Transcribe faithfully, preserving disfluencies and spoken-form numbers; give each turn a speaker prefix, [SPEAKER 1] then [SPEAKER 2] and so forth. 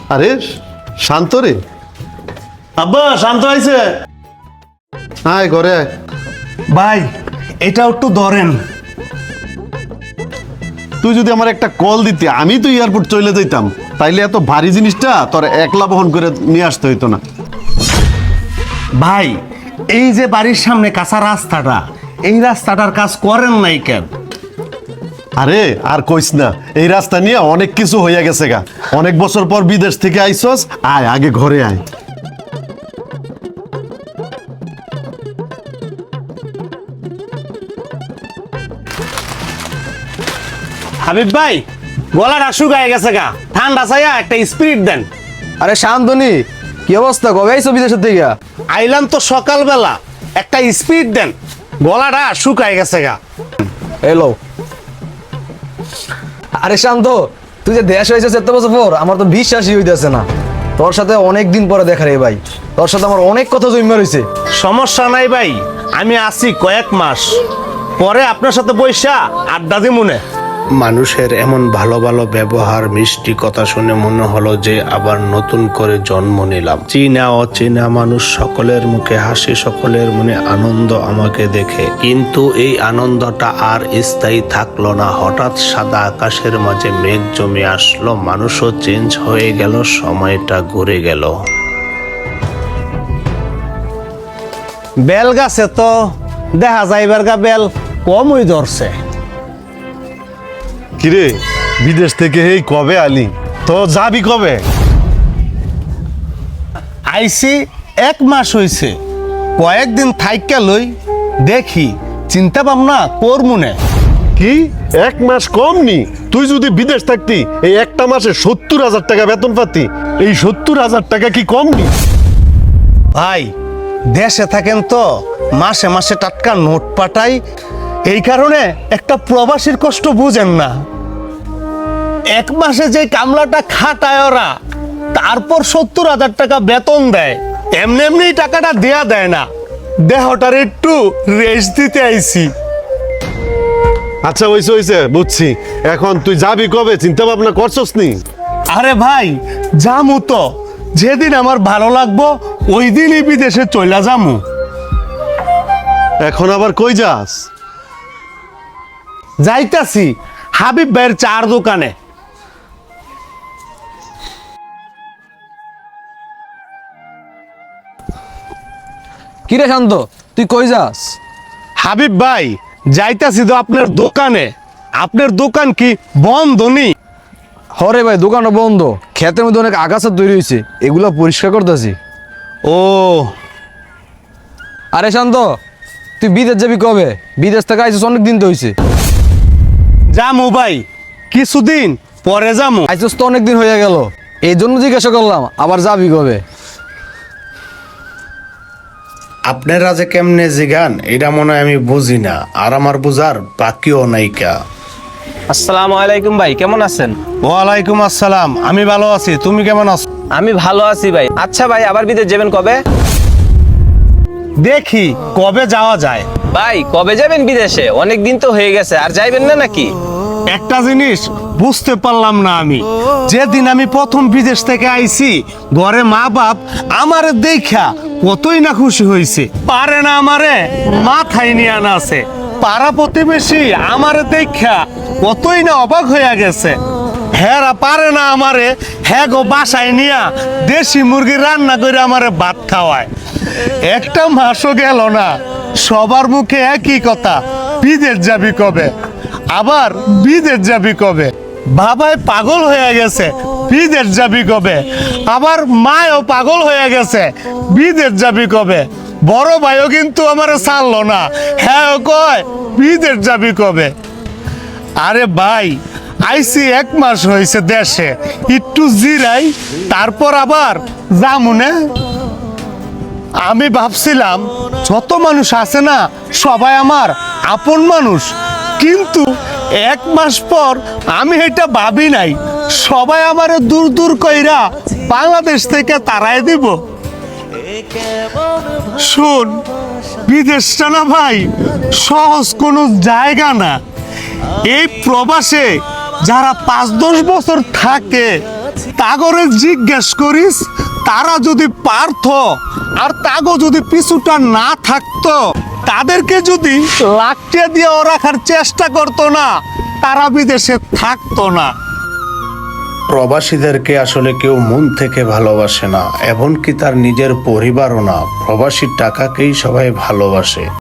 [SPEAKER 1] আরে শান্ত রে,
[SPEAKER 2] আব্বা শান্ত হয়েছে?
[SPEAKER 1] আয় ঘরে আয়।
[SPEAKER 2] ভাই এটা একটু ধরেন।
[SPEAKER 1] তুই যদি আমার একটা কল দিতি আমি তো এয়ারপোর্ট চলে যেতাম, তাইলে এত ভারী জিনিসটা তোর একলা বহন করে নিয়ে আসতে হইতো না।
[SPEAKER 2] ভাই এই যে বাড়ির সামনে কাঁচা রাস্তাটা, এই রাস্তাটার কাজ করেন নাই কেন?
[SPEAKER 1] আরে আর কইস না, এই রাস্তা নিয়ে অনেক কিছু হইয়া গেছে গা। অনেক বছর পর বিদেশ থেকে আইসস, আয় আগে ঘরে আয়।
[SPEAKER 2] হাবিব ভাই গলাটা শুকায় গেছে গা, ঠান্ডা চাইয়া একটা স্পিরিট দেন।
[SPEAKER 3] আরে শান্তনি, কি অবস্থা? কবে আইছো বিদেশের থেকে?
[SPEAKER 2] আইলাম তো সকালবেলা, একটা স্পিরিট দেন, গলাটা শুকায় গেছে গা।
[SPEAKER 3] এলো। আরে শান্ত, তুই যে দেশ হয়েছে এত বছর পর, আমার তো বিশ্বাসই হইতেছে না। তোর সাথে অনেক দিন পরে দেখা রে ভাই, তোর সাথে আমার অনেক কথা জমা রয়েছে।
[SPEAKER 2] সমস্যা নাই ভাই, আমি আছি কয়েক মাস পরে আপনার সাথে বৈশা আড্ডা দি মনে।
[SPEAKER 4] মানুষের এমন ভালো ভালো ব্যবহার, মিষ্টি কথা শুনে মনে হলো যে আবার নতুন করে জন্ম নিলাম। চীনা অচীনা মানুষ সকলের মুখে হাসি, সকলের মনে আনন্দ আমাকে দেখে। কিন্তু এই আনন্দটা আর স্থায়ী থাকলো না। হঠাৎ সাদা আকাশের মাঝে মেঘ জমে আসলো, মানুষও চেঞ্জ হয়ে গেল, সময়টা ঘুরে গেল।
[SPEAKER 2] বেল গাছে তো দেখা যাইবার গা বেল কমই ধরছে।
[SPEAKER 1] কিরে বিদেশ থেকে এই কবে আলি? তো যাবি কবে?
[SPEAKER 2] আইসি এক মাস হইছে, কয়েকদিন থাইকা লই দেখি, চিন্তা ভাবনা করমুনে।
[SPEAKER 1] কি এক মাস কম নি? তুই যদি বিদেশ থাকতি এই একটা মাসে সত্তর হাজার টাকা বেতন পাতি, এই সত্তর হাজার টাকা কি কম নি?
[SPEAKER 2] ভাই দেশে থাকেন তো মাসে মাসে টাটকা নোট পাঠাই, এই কারণে একটা প্রবাসীর কষ্ট বুঝেন না। এক মাসে যে কামলাটা খাটায় ওরা, তারপর সত্তর হাজার টাকা বেতন দেয়, এমনি এমনি টাকাটা দেয়া দেয় না। দেহটার একটু রেস্ট দিতে আইছি।
[SPEAKER 1] আচ্ছা হইছে হইছে বুঝছি, এখন তুই যাবি কবে চিন্তা ভাবনা করছস নি?
[SPEAKER 2] আরে ভাই যামু তো, যেদিন আমার ভালো লাগবো ওই দিনই বিদেশে চলে যামু।
[SPEAKER 1] এখন আবার কই যাস?
[SPEAKER 2] যাইতাছি হাবিব ভাইয়ের চার দোকানে।
[SPEAKER 3] কিরে শান্ত, তুই কই যাস?
[SPEAKER 2] হাবিব ভাই যাইতাছি তো আপনার দোকানে। আপনার দোকান কি বন্ধ নি?
[SPEAKER 3] হরে ভাই, দোকানও বন্ধ, ক্ষেতের মধ্যে অনেক আগাছা তৈরি হয়েছে, এগুলো পরিষ্কার করতেছি।
[SPEAKER 2] ও
[SPEAKER 3] আরে শান্ত, তুই বিদেশ যাবি কবে? বিদেশ থেকে আইছিস অনেক দিন তো হয়েছে।
[SPEAKER 2] যামু ভাই, কিছুদিন পরে যামু।
[SPEAKER 3] আইছিস তো অনেক দিন হয়ে গেল, এই জন্য জিজ্ঞাসা করলাম আবার যাবি কবে।
[SPEAKER 4] আপনারা যে কেমনে জিগান এটা মনে হয় আমি বুঝি না, আর আমার বুঝার বাকিও নাইকা।
[SPEAKER 5] আসসালামু আলাইকুম ভাই, কেমন আছেন?
[SPEAKER 2] ওয়ালাইকুম আসসালাম, আমি ভালো আছি, তুমি কেমন আছো?
[SPEAKER 5] আমি ভালো আছি ভাই। আচ্ছা ভাই, আবার বিদেশ যাবেন কবে?
[SPEAKER 2] দেখি কবে যাওয়া যায়।
[SPEAKER 5] ভাই কবে যাবেন বিদেশে? অনেক দিন তো হয়ে গেছে, আর যাইবেন না নাকি?
[SPEAKER 2] একটা জিনিস বুঝতে পারলাম না আমি, যেদিন আমি প্রথম বিদেশ থেকে আইছি, ঘরে মা বাপ আমারে দেখা কতই না খুশি হয়েছে। পারে না আমারে মাথায় নিয়ে আনা আছে, পাড়া প্রতিবেশী আমারে দেখা কতই না অবাক হয়ে গেছে। হেরা পারে না আমারে হ্যাঁ গো বাসায় নিয়া দেশি মুরগি রান্না করে আমারে ভাত খাওয়ায়। একটা মাসও গেল না, সবার মুখে একই কথা, বিদেশ যাবি কবে, আবার বিদেশ যাবি কবে। বাবাই পাগল হয়ে গেছে, বিদেশ যাবি কবে, আবার মায়ও পাগল হয়ে গেছে, বিদেশ যাবি কবে। বড় ভাইও কিন্তু আমার ছাড়লো না, হ্যাঁ কয় বিদেশ যাবি কবে। আরে ভাই আইসি এক মাস হয়েছে দেশে, একটু জিরাই তারপর আবার যামুনে। আমি ভাবছিলাম যত মানুষ আছে না সবাই আমার আপন মানুষ, কিন্তু এক মাস পর আমি এটা ভাবি নাই সবাই আমার দূর দূর কইরা বাংলাদেশ থেকে তাড়াই দিব। শুন, বিদেশটা না ভাই সহজ কোনো জায়গা না। এই প্রবাসে যারা পাঁচ দশ বছর থাকে তাগরে জিজ্ঞেস করিস, তারা যদি পারত আর তাগো যদি পিছুটা না থাকতো, তাদেরকে যদি লাকড়ে দিয়ে রাখার চেষ্টা করতো না, তারা বিদেশে থাকতো না।
[SPEAKER 4] প্রবাসীদেরকে আসলে কেউ মন থেকে ভালোবাসে না, এমনকি তার নিজের পরিবারও না। প্রবাসীর টাকাকেই সবাই ভালোবাসে।